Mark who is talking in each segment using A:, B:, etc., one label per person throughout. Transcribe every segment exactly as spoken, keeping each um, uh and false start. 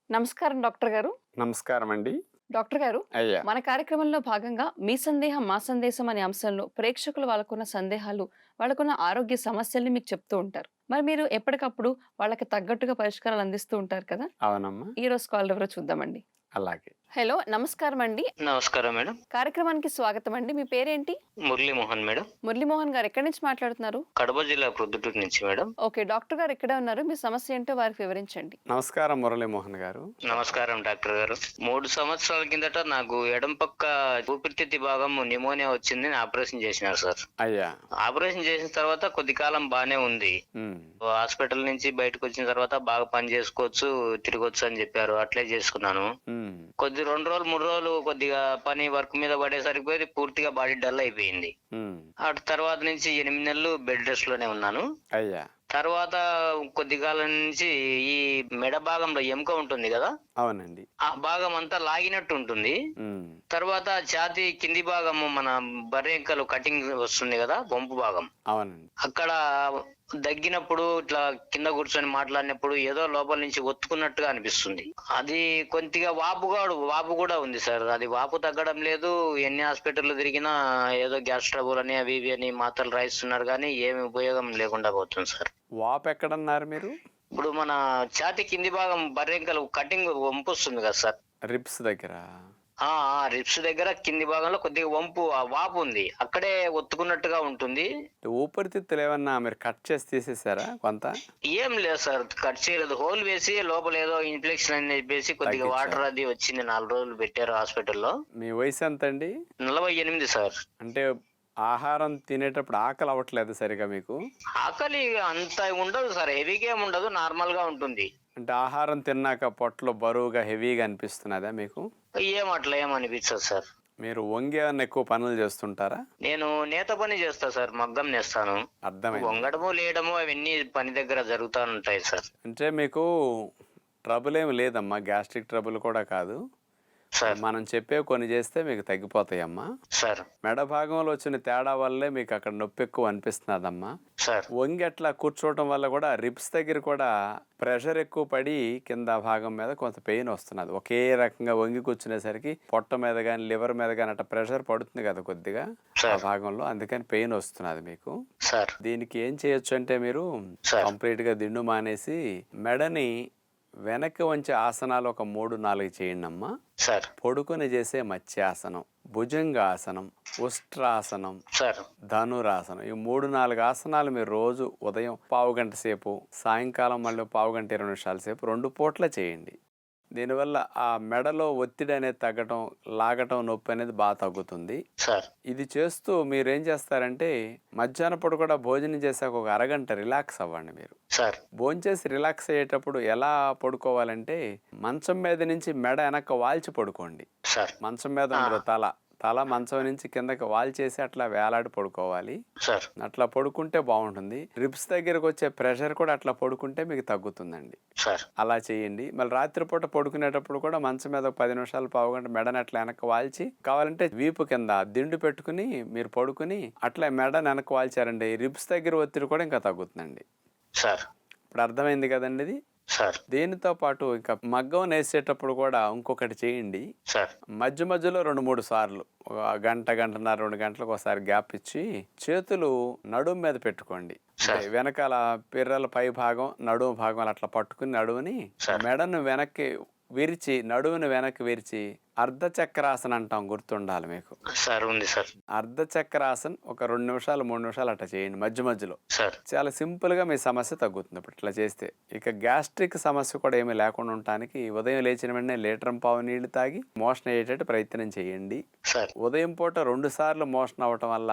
A: నమస్కారం డాక్టర్ గారు.
B: నమస్కారం అండి.
A: డాక్టర్ గారు,
B: అయ్యా!
A: మన కార్యక్రమంలో భాగంగా మీ సందేహం మా సందేశం అనే అంశంలో ప్రేక్షకులు వాళ్ళకున్న సందేహాలు, వాళ్ళకున్న ఆరోగ్య సమస్యల్ని మీకు చెప్తూ ఉంటారు. మరి మీరు ఎప్పటికప్పుడు వాళ్ళకి తగ్గట్టుగా పరిష్కారాలు అందిస్తూ ఉంటారు కదా!
B: అవునమ్మా.
A: ఈరోజు కాలర్ ఎవరో చూద్దామండి.
B: అలాగే.
A: హలో! నమస్కారం అండి.
C: నమస్కారం మేడం.
A: కార్యక్రమానికి స్వాగతం అండి. మీ పేరేంటి?
C: మురళీమోహన్ మేడం.
A: మురళీమోహన్ గారు ఎక్కడి నుంచి మాట్లాడుతున్నారు?
C: కడప జిల్లా ప్రొద్దుటూరు నుంచి మేడం.
A: ఓకే. డాక్టర్ గారు ఇక్కడే ఉన్నారు. మీ సమస్య ఏంటో వారికి వివరించండి.
B: నమస్కారం మురళీమోహన్ గారు.
C: నమస్కారం డాక్టర్ గారు. మూడు సంవత్సరాల కిందట నాకు ఎడం పక్క ఊపిరితిత్తి భాగం న్యూమోనియా వచ్చింది. ఆపరేషన్ చేసినారు సార్.
B: అయ్యా!
C: ఆపరేషన్ చేసిన తర్వాత కొద్ది కాలం బానే ఉంది.
B: ఉమ్,
C: హాస్పిటల్ నుంచి బయటకు వచ్చిన తర్వాత బాగా పని చేసుకోవచ్చు, తిరగొచ్చు అని చెప్పారు. అట్లే చేసుకున్నాను.
B: ఉమ్,
C: కొద్ది రెండు రోజులు మూడు రోజులు కొద్దిగా పని వర్క్ మీద పడేసరికి పూర్తిగా బాడీ డల్ అయిపోయింది.
B: ఉమ్,
C: అటు తర్వాత నుంచి ఎనిమిది నెలలు బెడ్ రెస్ట్ లోనే ఉన్నాను.
B: అయ్యా!
C: తర్వాత కొద్ది కాలం నుంచి ఈ మెడ భాగంలో ఎముక ఉంటుంది కదా,
B: అవునండి.
C: ఆ భాగం అంతా లాగినట్టు ఉంటుంది.
B: ఉమ్,
C: తర్వాత ఛాతీ కింది భాగము మన బర్రెంకలు కటింగ్ వస్తుంది కదా, వంపు భాగం,
B: అవునండి.
C: అక్కడ దగ్గినప్పుడు ఇట్లా కింద కూర్చొని మాట్లాడినప్పుడు ఏదో లోపల నుంచి ఒత్తుకున్నట్టుగా అనిపిస్తుంది. అది కొద్దిగా వాపు కూడా వాపు కూడా ఉంది సార్. అది వాపు తగ్గడం లేదు. ఎన్ని హాస్పిటల్ తిరిగినా ఏదో గ్యాస్ ట్రబుల్ అని అవి ఇవి అని మాత్రలు రాయిస్తున్నారు, కానీ ఏమి ఉపయోగం లేకుండా పోతుంది సార్.
B: వాపు ఎక్కడన్నారు మీరు?
C: ఇప్పుడు మన ఛాతీ కింది భాగం బర్రెంకలు కటింగ్ వంపు వస్తుంది కదా సార్,
B: రిప్స్ దగ్గర.
C: ఆ రిప్స్ దగ్గర కింది భాగంలో కొద్దిగా వంపు ఆ వాపు ఉంది, అక్కడే ఒత్తుకున్నట్టుగా ఉంటుంది.
B: ఊపిరితిత్తులు ఏమన్నా మీరు కట్ చేసి తీసేసారా కొంత?
C: ఏం లేదు సార్, కట్ చేయలేదు. హోల్ వేసి లోపల ఏదో ఇన్ఫెక్షన్ అని చెప్పేసి కొద్దిగా
B: తగ్గించారు.
C: వాటర్ అది వచ్చింది. నాలుగు రోజులు పెట్టారు హాస్పిటల్లో.
B: మీ వయసు ఎంత అండి?
C: నలభై ఎనిమిది సార్.
B: అంటే ఆహారం తినేటప్పుడు ఆకలి అవ్వట్లేదు సరిగా మీకు?
C: ఆకలి అంత ఉండదు సార్, హెవీగా ఏమి ఉండదు, నార్మల్ గా ఉంటుంది.
B: అంటే ఆహారం తిన్నాక పొట్టలో బరువుగా హెవీగా అనిపిస్తున్నదా మీకు?
C: ఏం అట్లా ఏమనిపించదు సార్.
B: మీరు వంగి ఏమన్నా ఎక్కువ పనులు చేస్తుంటారా?
C: నేను నేత పని చేస్తా సార్, మగ్గం నేస్తాను.
B: అర్థమైంది.
C: వంగడము లేయడము అవన్నీ పని దగ్గర జరుగుతూ ఉంటాయి సార్.
B: అంటే మీకు ట్రబుల్ ఏమి లేదమ్మా, గ్యాస్ట్రిక్ ట్రబుల్ కూడా కాదు.
C: సార్
B: మనం చెప్పే కొన్ని చేస్తే మీకు తగ్గిపోతాయమ్మా.
C: సార్
B: మెడ భాగంలో వచ్చిన తేడా వల్లే మీకు అక్కడ నొప్పి ఎక్కువ అనిపిస్తున్నదమ్మా.
C: సార్
B: వంగి అట్లా కూర్చోవటం వల్ల కూడా రిబ్స్ దగ్గర కూడా ప్రెషర్ ఎక్కువ పడి కింద భాగం మీద కొంత పెయిన్ వస్తున్నది. ఒకే రకంగా వంగి కూర్చునేసరికి పొట్ట మీద కానీ లివర్ మీద కానీ అట్లా ప్రెషర్ పడుతుంది కదా కొద్దిగా ఆ భాగంలో, అందుకని పెయిన్ వస్తున్నది మీకు.
C: సార్
B: దీనికి ఏం చేయొచ్చు అంటే మీరు
C: సార్.
B: కంప్లీట్ గా దిండు మానేసి మెడని వెనక్కి వంచే ఆసనాలు ఒక మూడు నాలుగు చేయండి అమ్మా.
C: సార్
B: పొడుకుని చేసే మత్స్యాసనం, భుజంగాసనం, ఉష్ట్రాసనం,
C: సార్
B: ధనురాసనం, ఈ మూడు నాలుగు ఆసనాలు మీరు రోజు ఉదయం పావు గంట సేపు, సాయంకాలం మళ్ళీ పావు గంట ఇరవై నిమిషాల సేపు రెండు పూట్ల చేయండి. దీనివల్ల ఆ మెడలో ఒత్తిడి అనేది తగ్గటం, లాగటం, నొప్పి అనేది బాగా తగ్గుతుంది.
C: సార్
B: ఇది చేస్తూ మీరు ఏం చేస్తారంటే మధ్యాహ్నం పూట కూడా భోజనం చేశాక ఒక అరగంట రిలాక్స్ అవ్వండి. మీరు
C: సార్
B: భోంచేసి రిలాక్స్ అయ్యేటప్పుడు ఎలా పడుకోవాలంటే మంచం మీద నుంచి మెడ వెనక్కి వాల్చి పడుకోండి.
C: సార్
B: మంచం మీద ఉండదు, తల తల మంచం నుంచి కిందకి వాల్చేసి అట్లా వేలాడి పడుకోవాలి.
C: సార్
B: అట్లా పడుకుంటే బాగుంటుంది. రిబ్స్ దగ్గరకు వచ్చే ప్రెషర్ కూడా అట్లా పడుకుంటే మీకు తగ్గుతుందండి.
C: సార్
B: అలా చేయండి. మళ్ళీ రాత్రిపూట పడుకునేటప్పుడు కూడా మంచం మీద ఒక పది నిమిషాలు పావు గంట మెడని అట్లా వెనక్కి వాల్చి, కావాలంటే వీపు కింద దిండు పెట్టుకుని మీరు పడుకుని అట్లా మెడని వెనక్కి వాల్చారండి, రిబ్స్ దగ్గర ఒత్తిడి కూడా ఇంకా తగ్గుతుందండి.
C: సార్
B: ఇప్పుడు అర్థమైంది కదండి ఇది.
C: సార్
B: దీనితో పాటు ఇంకా మగ్గం నేసేటప్పుడు కూడా ఇంకొకటి చేయండి.
C: సార్
B: మధ్య మధ్యలో రెండు మూడు సార్లు ఒక గంట గంటన్నర రెండు గంటలకు ఒకసారి గ్యాప్ ఇచ్చి చేతులు నడుము మీద పెట్టుకోండి. అంటే వెనకాల పిర్రల పై భాగం నడుము భాగం అట్లా పట్టుకుని నడుముని మెడను వెనక్కి విరిచి నడువుని వెనక్కి విరిచి అర్ధచక్రాసన అంటాం, గుర్తుండాలి మీకు.
C: సార్ ఉంది సార్.
B: అర్ధచక్రాసన్ ఒక రెండు నిమిషాలు మూడు నిమిషాలు అట్లా చేయండి మధ్య మధ్యలో.
C: సార్
B: చాలా సింపుల్ గా మీ సమస్య తగ్గుతుంది ఇప్పుడు ఇట్లా చేస్తే. ఇక గ్యాస్ట్రిక్ సమస్య కూడా ఏమీ లేకుండా ఉండటానికి ఉదయం లేచిన వెంటనే లీటర్ పావు నీళ్లు తాగి మోషన్ అయ్యేటట్టు ప్రయత్నం చేయండి.
C: సార్
B: ఉదయం పూట రెండు సార్లు మోషన్ అవ్వటం వల్ల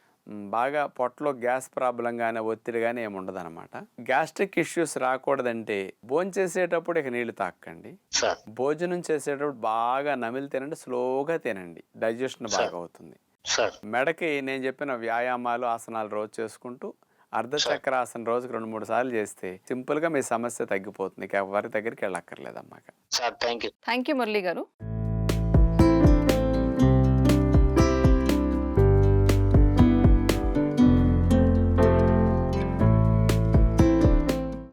B: బాగా పొట్టలో గ్యాస్ ప్రాబ్లం కానీ ఒత్తిడి కానీ ఏమి ఉండదు అనమాట. గ్యాస్ట్రిక్ ఇష్యూస్ రాకూడదంటే భోజనం చేసేటప్పుడు ఇక నీళ్లు తాకండి. భోజనం చేసేటప్పుడు బాగా నమిలి తినండి, స్లోగా తినండి, డైజెషన్ బాగా అవుతుంది. మెడకి నేను చెప్పిన వ్యాయామాలు ఆసనాలు రోజు చేసుకుంటూ అర్ధచక్రాసన రోజుకి రెండు మూడు సార్లు చేస్తే సింపుల్ గా మీ సమస్య తగ్గిపోతుంది. ఇక ఎవరి దగ్గరికి వెళ్ళక్కర్లేదమ్మా.
A: థ్యాంక్ యూ మురళి గారు.